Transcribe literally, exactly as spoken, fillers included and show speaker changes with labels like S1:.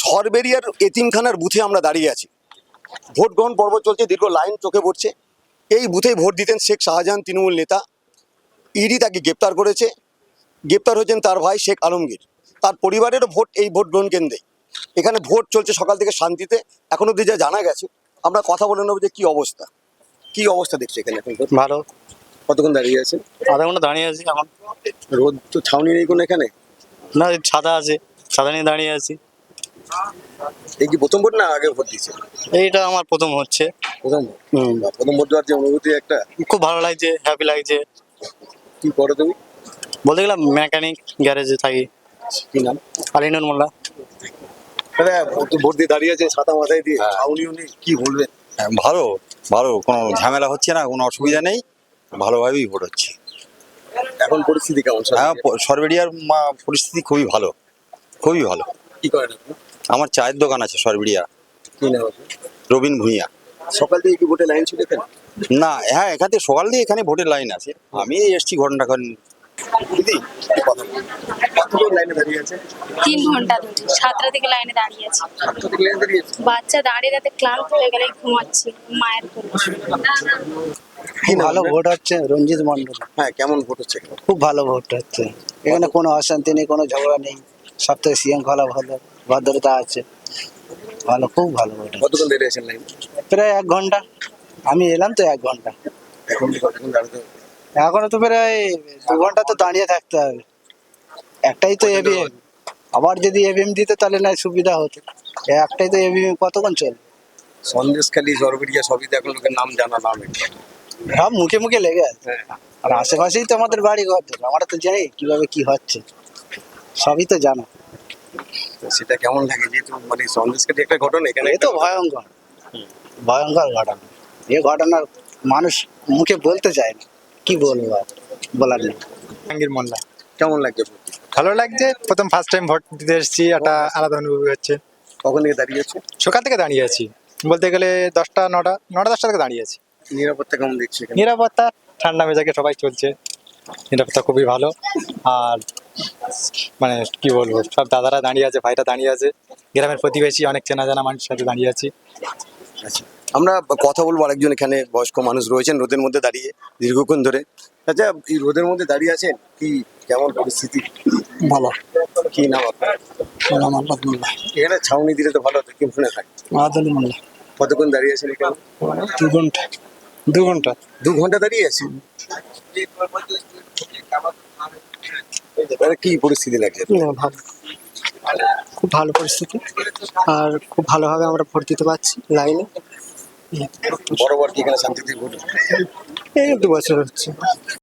S1: সরবেরিয়ার এতিমখানার বুথে আমরা দাঁড়িয়ে আছি। ভোট গ্রহণ পর্ব চলছে, দীর্ঘ লাইন চোখে পড়ছে। এই বুথেই ভোট দিতেন শেখ শাহজাহান, তৃণমূল নেতা। ইডি তাকে গ্রেপ্তার করেছে। গ্রেপ্তার হয়েছেন তার ভাই শেখ আলমগীর। তার পরিবারেরও ভোট এই ভোট গ্রহণ কেন্দ্রে। এখানে ভোট চলছে সকাল থেকে শান্তিতে। এখন অব্দি যা জানা গেছে, আমরা কথা বলে নেবো যে কী অবস্থা, কী অবস্থা দেখছি এখানে এখন।
S2: ভালো।
S1: কতক্ষণ দাঁড়িয়ে আছে?
S2: আধা ঘন্টা দাঁড়িয়ে আছি এখন।
S1: রোদ তো ছাউনি নেই কোনো এখানে?
S2: না, ছাতা আছে, ছাতা নিয়ে দাঁড়িয়ে আছি।
S1: এই কি প্রথম ভোট না আগে ভোট দিচ্ছে?
S2: এইটা আমার প্রথম হচ্ছে।
S1: প্রথম ভোট?
S2: হুম।
S1: বা প্রথম ভোট দেওয়ার যে অনুভূতি একটা,
S2: খুব ভালো লাগছে, হ্যাপি লাগছে।
S1: কি করো তুমি?
S2: বলতে গেলাম মেকানিক গ্যারেজে থাকি।
S1: কি নাম?
S2: আলিনুর মোল্লা।
S1: দাদা ভোট ভোট দিয়ে দাঁড়িয়ে আছে ছাতা মাথায় দিয়ে, ছাউনিও নেই, কি বলবেন?
S3: হ্যাঁ, ভালো ভালো, কোনো ঝামেলা হচ্ছে না, কোনো অসুবিধা নেই, ভালোভাবেই ভোট হচ্ছে।
S1: এখন পরিস্থিতি কেমন?
S3: হ্যাঁ, প- সরবেরিয়ার মা- পরিস্থিতি খুবই ভালো, খুবই ভালো।
S1: কি করেন আপনি?
S3: আমার চায়ের দোকান আছে সরবেরিয়া।
S1: কি নাম আপনি?
S3: রবিন ভূঁইয়া।
S1: সকাল থেকে কি ভোটে লাইন ছিল এখানে?
S3: না, হ্যাঁ, এখান থেকে সকাল দিয়ে এখানে ভোটের লাইন আছে। আমি এসছি ঘন্টা খান।
S1: দিদি কথা বলুন। কতক্ষণ লাইনে দাঁড়িয়ে আছে?
S4: তিন ঘন্টা ধরে সাতটা থেকে লাইনে দাঁড়িয়ে আছি।
S1: সাতটা থেকে লাইনে দাঁড়িয়ে আছে।
S4: বাচ্চা দাঁড়িয়ে দাঁড়িয়ে ক্লান্ত হয়ে গেলে ঘুমাচ্ছি মায়ের কোলে।
S1: কি নাম
S5: ভালো
S1: আপনার?
S5: ভোট হচ্ছে, রঞ্জিত মন্ডল।
S1: হ্যাঁ, কেমন ভোট হচ্ছে এখানে?
S5: খুব ভালো ভোট হচ্ছে এখানে, কোনো অশান্তি নেই, কোনো ঝগড়া নেই, সব থেকে শৃঙ্খলা ভালো, ভদ্রতা আছে, ভালো, খুব ভালো ভোট হচ্ছে।
S1: কতক্ষণ দাঁড়িয়ে আছেন লাইন?
S5: প্রায় এক ঘন্টা, আমি এলাম তো এক ঘন্টা।
S1: এখন কি কতক্ষণ দাঁড়াতে হবে?
S5: এখনো তো প্রায় দু ঘন্টা তো দাঁড়িয়ে থাকতে হবে। একটাই তো এভিএম, আবার যদি এভিএম দিত তাহলে না সুবিধা হতো। এই একটাই তো এভিএম, কতক্ষণ চলবে?
S1: সন্দেশখালী, সরবেরিয়া সবই তো এখন লোকের নাম জানা নাম এটা।
S5: সব মুখে মুখে লেগে আছে, আর আশেপাশেই তো আমাদের বাড়ি ঘর, আমরা তো জানি কিভাবে কি হচ্ছে, সবই তো জানা।
S1: তো সেটা কেমন লাগে যেহেতু মানে সন্দেশখালী একটা ঘটনা এখানে?
S5: এ তো ভয়ঙ্কর, ভয়ঙ্কর ঘটনা। এ ঘটনার মানুষ মুখে বলতে চায় না, কি বলবো আর, বলার নেই।
S6: জাহাঙ্গীর মোল্লা।
S1: কেমন লাগছে ভোট দিতে?
S6: ভালো লাগছে, প্রথম ফার্স্ট টাইম ভোট দিতে এসেছি, একটা আলাদা অনুভূতি হচ্ছে।
S1: কখন থেকে দাঁড়িয়ে আছে?
S6: সকাল থেকে দাঁড়িয়ে আছি, বলতে গেলে দশটা নটা নটা দশটা থেকে দাঁড়িয়ে আছি।
S1: নিরাপত্তা কেমন দেখছি এখানে?
S6: নিরাপত্তা ঠান্ডা মেজাজে সবাই চলছে, নিরাপত্তা খুবই ভালো। আর মানে কি বলবো, সব দাদারা দাঁড়িয়ে আছে, ভাইরা দাঁড়িয়ে আছে, গ্রামের প্রতিবেশী অনেক চেনা জানা মানুষের সাথে দাঁড়িয়ে আছি।
S1: আচ্ছা, আমরা কথা বলবো আরেকজন এখানে বয়স্ক মানুষ রয়েছেন রোদের মধ্যে দাঁড়িয়ে দীর্ঘক্ষণ ধরে। আচ্ছা, এই রোদের মধ্যে দাঁড়িয়ে আছেন, কি কেমন পরিস্থিতি?
S5: ভালো।
S1: কি নাম আপনার? এখানে ছাউনি দিলে তো ভালো হতো, কি মনে হয়?
S5: মাহাদুল মোল্লা।
S1: কতক্ষণ দাঁড়িয়ে আছেন এখানে?
S5: দু ঘন্টা।
S6: দু ঘন্টা।
S1: দু ঘন্টা দাঁড়িয়ে আছি। কি পরিস্থিতি লাগছে?
S5: ভালো, খুব ভালো পরিস্থিতি, আর খুব ভালোভাবে আমরা ভোট দিতে পারছি লাইনে।
S1: বরাবর কি এখানে শান্তিতে ভোট?
S5: এই দু বছর হচ্ছে।